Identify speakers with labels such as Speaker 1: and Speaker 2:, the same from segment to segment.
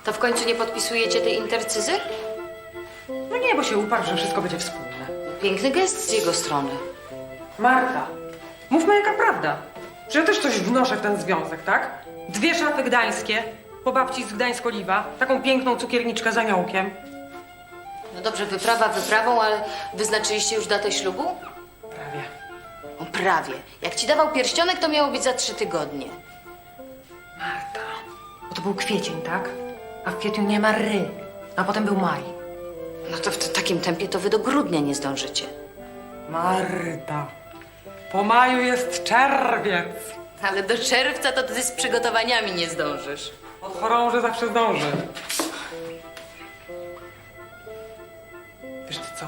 Speaker 1: To w końcu nie podpisujecie tej intercyzy?
Speaker 2: No nie, bo się uparł, że wszystko będzie wspólne.
Speaker 1: Piękny gest z jego strony.
Speaker 2: Marta, mówmy jaka prawda. Że ja też coś wnoszę w ten związek, tak? 2 szafy gdańskie, po babci z Gdańsk-Oliwa, taką piękną cukierniczkę z aniołkiem.
Speaker 1: No dobrze, wyprawa wyprawą, ale wyznaczyliście już datę ślubu?
Speaker 2: Prawie.
Speaker 1: O, prawie. Jak ci dawał pierścionek, to miało być za 3 tygodnie.
Speaker 2: Marta, bo to był kwiecień, tak? A w kwietniu nie ma ry, a potem był maj.
Speaker 1: No to w takim tempie to wy do grudnia nie zdążycie.
Speaker 2: Marta, po maju jest czerwiec.
Speaker 1: Ale do czerwca to ty z przygotowaniami nie zdążysz.
Speaker 2: Od chorąży zawsze zdąży. Wiesz ty co?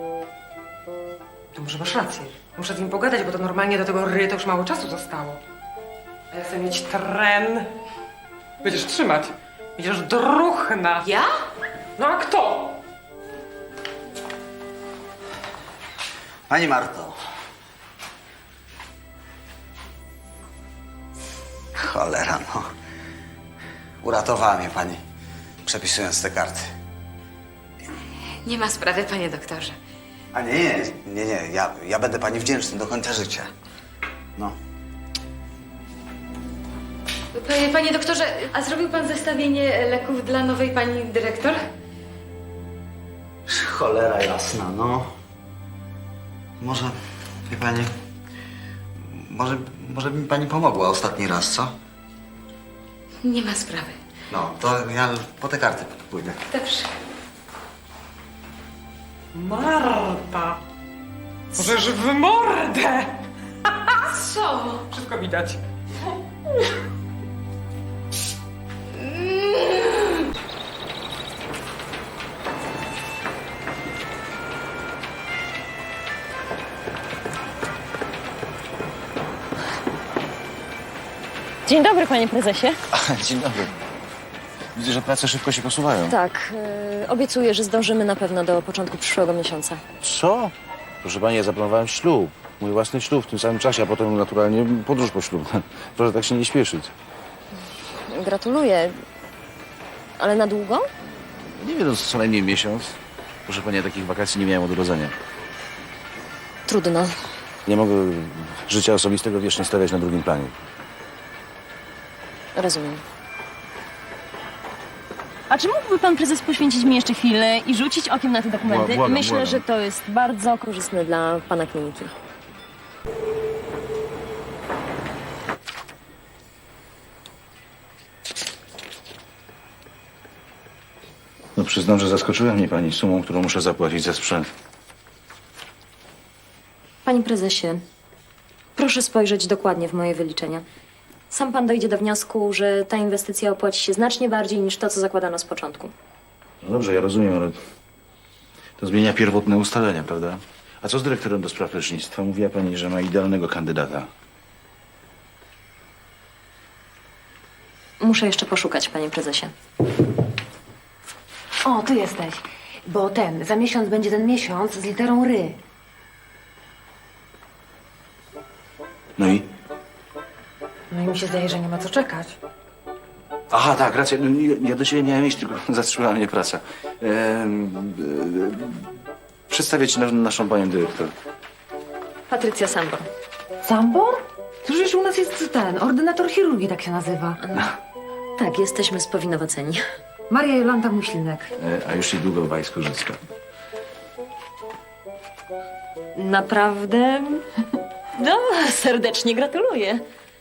Speaker 2: To może masz rację. Muszę z nim pogadać, bo to normalnie do tego ry to już mało czasu zostało. A ja chcę mieć tren. Będziesz trzymać. Będziesz druchna.
Speaker 1: Ja?
Speaker 2: No a kto?
Speaker 3: Pani Marto. Cholera, no. Uratowała mnie pani, przepisując te karty.
Speaker 1: Nie ma sprawy, panie doktorze.
Speaker 3: A nie. Ja będę pani wdzięczny do końca życia. No.
Speaker 1: Panie doktorze, a zrobił pan zestawienie leków dla nowej pani dyrektor?
Speaker 3: Cholera jasna, no. Może, wie pani, może by mi pani pomogła ostatni raz, co?
Speaker 1: Nie ma sprawy.
Speaker 3: No, to ja po te karty pójdę.
Speaker 1: Dobrze.
Speaker 2: Marta. Możesz w mordę.
Speaker 1: Co?
Speaker 2: Wszystko widać.
Speaker 4: Dzień dobry, panie prezesie.
Speaker 5: Dzień dobry. Widzę, że prace szybko się posuwają.
Speaker 4: Tak, obiecuję, że zdążymy na pewno do początku przyszłego miesiąca.
Speaker 5: Co? Proszę pani, ja zaplanowałem ślub. Mój własny ślub w tym samym czasie, a potem naturalnie podróż poślubna. Proszę tak się nie śpieszyć.
Speaker 4: Gratuluję. Ale na długo?
Speaker 5: Nie wiem, no, co najmniej miesiąc. Proszę pani, ja takich wakacji nie miałem od urodzenia.
Speaker 4: Trudno.
Speaker 5: Nie mogę życia osobistego wiecznie stawiać na drugim planie.
Speaker 4: Rozumiem. A czy mógłby pan prezes poświęcić mi jeszcze chwilę i rzucić okiem na te dokumenty?
Speaker 5: Błagam,
Speaker 4: Myślę,
Speaker 5: błagam.
Speaker 4: że to jest bardzo korzystne dla pana kliniki.
Speaker 5: No przyznam, że zaskoczyła mnie pani sumą, którą muszę zapłacić za sprzęt.
Speaker 4: Panie prezesie, proszę spojrzeć dokładnie w moje wyliczenia. Sam pan dojdzie do wniosku, że ta inwestycja opłaci się znacznie bardziej niż to, co zakładano z początku.
Speaker 5: No dobrze, ja rozumiem, ale to zmienia pierwotne ustalenia, prawda? A co z dyrektorem do spraw lecznictwa? Mówiła pani, że ma idealnego kandydata.
Speaker 4: Muszę jeszcze poszukać, panie prezesie.
Speaker 6: O, ty jesteś. Bo za miesiąc będzie ten miesiąc z literą ry.
Speaker 5: No i?
Speaker 2: No i mi się zdaje, że nie ma co czekać.
Speaker 5: Aha, tak, racja. No, ja do ciebie miałem iść, tylko zatrzymała mnie praca. Przedstawię ci naszą panią dyrektor.
Speaker 4: Patrycja Sambor.
Speaker 6: Sambor? Przecież u nas jest ordynator chirurgii, tak się nazywa.
Speaker 4: Tak, jesteśmy spowinowaceni.
Speaker 6: Maria Jolanta Muślinek.
Speaker 5: A już niedługo Wajsko-Życka.
Speaker 4: Naprawdę? No, serdecznie gratuluję.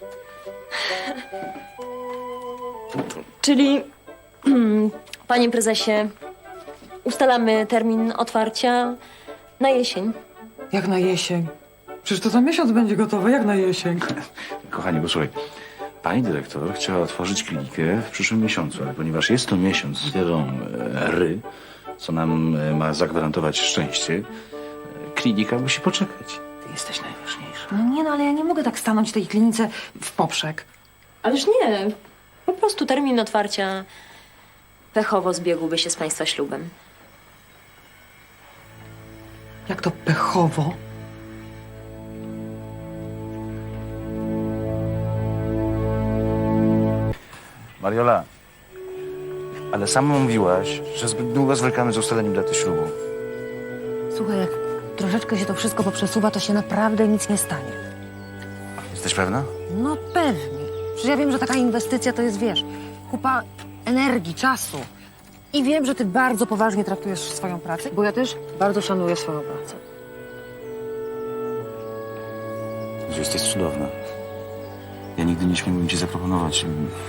Speaker 4: Czyli, panie prezesie, ustalamy termin otwarcia na jesień.
Speaker 2: Jak na jesień. Przecież to za miesiąc będzie gotowe, jak na jesień.
Speaker 5: Kochanie, posłuchaj. Pani dyrektor chciała otworzyć klinikę w przyszłym miesiącu, ale ponieważ jest to miesiąc z literą ry, co nam ma zagwarantować szczęście, klinika musi poczekać. Ty jesteś najważniejsza.
Speaker 6: No nie, no ale ja nie mogę tak stanąć w tej klinice w poprzek.
Speaker 4: Ależ nie, po prostu termin otwarcia pechowo zbiegłby się z państwa ślubem.
Speaker 2: Jak to pechowo?
Speaker 5: Mariola, Ale sama mówiłaś, że zbyt długo zwlekamy z ustaleniem daty ślubu.
Speaker 6: Słuchaj, jak troszeczkę się to wszystko poprzesuwa, to się naprawdę nic nie stanie.
Speaker 5: Jesteś pewna?
Speaker 6: No pewnie. Przecież ja wiem, że taka inwestycja to jest, wiesz, kupa energii, czasu. I wiem, że ty bardzo poważnie traktujesz swoją pracę, bo ja też bardzo szanuję swoją pracę.
Speaker 5: Że jesteś cudowna. Ja nigdy nie śmiałbym ci zaproponować.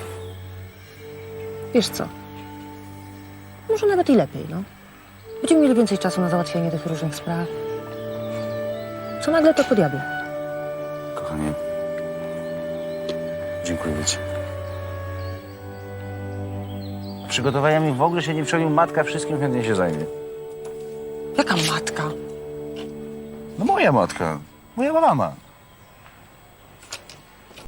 Speaker 6: Wiesz co? Może nawet i lepiej, no. Będziemy mieli więcej czasu na załatwianie tych różnych spraw. Co nagle to podjadło?
Speaker 5: Kochanie, dziękuję ci. Przygotowaniami w ogóle się nie przejmuj. Matka wszystkim chętnie się zajmie.
Speaker 6: Jaka matka?
Speaker 5: No moja matka. Moja mama.